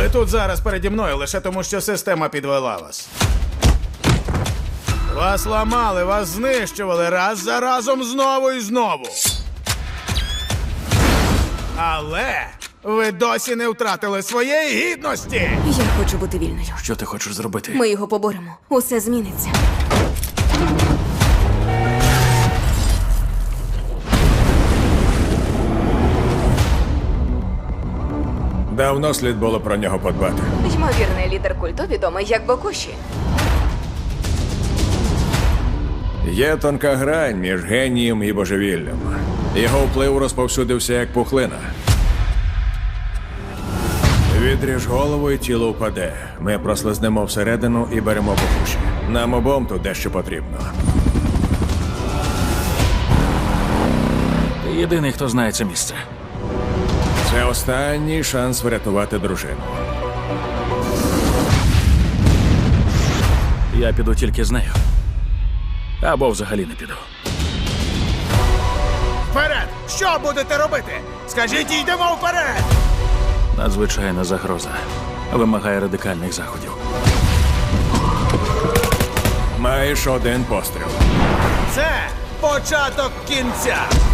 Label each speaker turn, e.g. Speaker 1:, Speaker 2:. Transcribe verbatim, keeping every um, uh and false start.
Speaker 1: Ви тут зараз переді мною лише тому, що система підвела вас. Вас ламали, вас знищували раз за разом знову і знову. Але ви досі не втратили своєї гідності.
Speaker 2: Я хочу бути вільною.
Speaker 3: Що ти хочеш зробити?
Speaker 2: Ми його поборемо. Усе зміниться.
Speaker 4: Давно слід було про нього подбати.
Speaker 2: Ймовірний лідер культу відомий як Бокуші.
Speaker 4: Є тонка грань між генієм і божевіллям. Його вплив розповсюдився як пухлина. Відріж голову і тіло впаде. Ми прослизнемо всередину і беремо Бокуші. Нам обом тут дещо потрібно.
Speaker 3: Ти єдиний, хто знає це місце.
Speaker 4: Це останній шанс врятувати дружину.
Speaker 3: Я піду тільки з нею. Або взагалі не піду.
Speaker 1: Вперед! Що будете робити? Скажіть, йдемо вперед!
Speaker 3: Надзвичайна загроза. Вимагає радикальних заходів.
Speaker 4: Маєш один постріл.
Speaker 1: Це початок кінця!